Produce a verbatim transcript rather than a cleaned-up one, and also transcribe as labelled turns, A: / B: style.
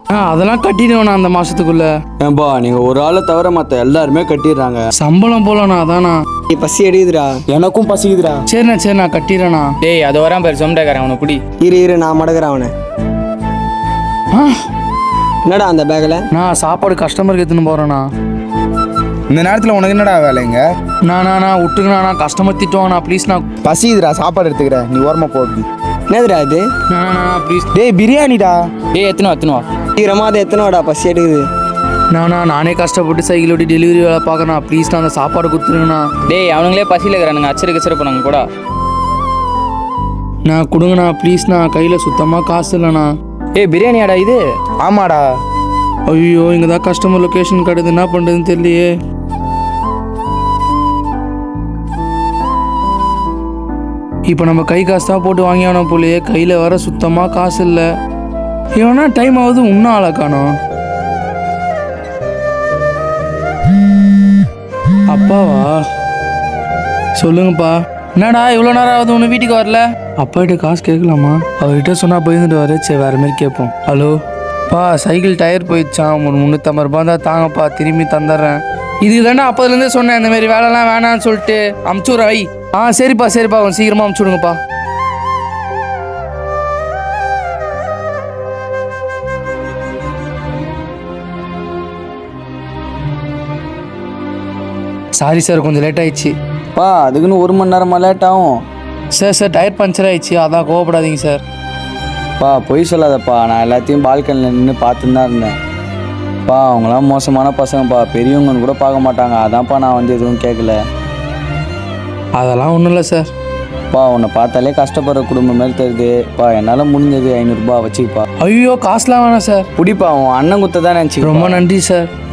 A: ஆ அதெல்லாம் கட்டிடுவேண்ணா அந்த மாசத்துக்குள்ள.
B: ஏன்பா நீங்கள் ஒரு ஆளை தவிர மற்ற எல்லாருமே கட்டிடுறாங்க.
A: சம்பளம் போலண்ணா அதாண்ணா.
C: நீ பசி எடுக்குதுடா.
D: எனக்கும் பசிக்குதுடா.
A: சரிண்ணா சரிண்ணா கட்டிடுறேண்ணா.
E: டேய் அது வரான் பேர் சொந்தக்காரன் அவனை பிடி.
C: இரு இரு நான் மடக்கிறேன் அவனை.
A: ஆ
C: என்னடா அந்த பேக்கில்?
A: நான் சாப்பாடு கஸ்டமருக்கு எடுத்துன்னு போகிறேண்ணா.
D: இந்த நேரத்தில் உனக்கு என்னடா வேலைங்க?
A: நானா நான் விட்டுங்கண்ணா, கஸ்டமர் திட்டுவாங்கண்ணா ப்ளீஸ்ண்ணா.
D: பசிக்குதுடா, சாப்பாடு எடுத்துக்கிறேன், நீ ஓரமா போகுது.
C: என்னதுடா இது?
A: நானா ப்ளீஸ்.
D: டேய் பிரியாணிடா.
E: டேய் எத்தனை எத்தனுவா
C: சீக்கிரமா அதை எத்தனோடா, பசி எடுக்குது.
A: நானா நானே கஷ்டப்பட்டு சைக்கிள் ஓட்டி டெலிவரி வேலை பார்க்கறேன், ப்ளீஸ்ண்ணா அந்த சாப்பாடு கொடுத்துருங்கண்ணா.
E: டேய் அவனுங்களே பசியில் இருக்கிறானுங்க, அச்சரு கச்சரு போனாங்க கூட.
A: நான் கொடுங்கண்ணா ப்ளீஸ்ண்ணா, கையில் சுத்தமாக காசு இல்லைண்ணா.
E: ஏய் பிரியாணியாடா இது?
D: ஆமாடா.
A: ஐயோ இங்கே தான் கஸ்டமர் லொக்கேஷன் கிடையாது, என்ன பண்ணுறதுன்னு தெரியலையே. இப்போ நம்ம கை காசு தான் போட்டு வாங்கி ஆனோம் போலயே, கையில் வர சுத்தமாக காசு இல்லை. இவனா டைம் ஆகுது இன்னும் ஆளை காணோம். அப்பாவா? சொல்லுங்கப்பா. என்னடா இவ்வளோ நேரம் ஆகுது ஒன்று வீட்டுக்கு வரல? அப்பாகிட்ட காசு கேட்கலாமா? அவர்கிட்ட சொன்னால் போயிருந்துட்டு வர. சரி வேறு மாதிரி கேட்போம். ஹலோ பா, சைக்கிள் டயர் போயிடுச்சான், ஒரு முந்நூற்றம்பது ரூபா தான் தாங்கப்பா, திரும்பி தந்துடுறேன். இதுக்கு தானே அப்போதுலேருந்தே சொன்னேன் இந்த மாதிரி வேலைலாம் வேணான்னு சொல்லிட்டு. அமுச்சுடுற வை. ஆ சரிப்பா சரிப்பா, கொஞ்சம் சீக்கிரமாக அமுச்சுடுங்கப்பா. சாரி சார், கொஞ்சம் லேட் ஆயிடுச்சு.
B: பா அதுக்குன்னு ஒரு மணி நேரமாக லேட் ஆகும்.
A: சார் சார் டயர் பஞ்சர் ஆயிடுச்சு, அதான் கோவப்படாதீங்க சார்.
B: பா பொய் சொல்லாதப்பா, நான் எல்லாத்தையும் பால்கனியில் நின்று பார்த்துன்னு தான் இருந்தேன். பா அவங்களாம் மோசமான பசங்கப்பா, பெரியவங்கன்னு கூட பார்க்க மாட்டாங்க, அதான்ப்பா நான் வந்து எதுவும் கேட்கல.
A: அதெல்லாம் ஒன்றும் இல்லை சார்.
B: பா உன்னை பார்த்தாலே கஷ்டப்படுற குடும்பம் மாதிரி தருது. பா என்னால் முடிஞ்சது ஐநூறுரூபா வச்சுக்கப்பா.
A: ஐயோ காசுலாம் வேணாம் சார்.
B: பிடிப்பா, உன் அண்ணன் குத்த தான் நினச்சி.
A: ரொம்ப நன்றி சார்.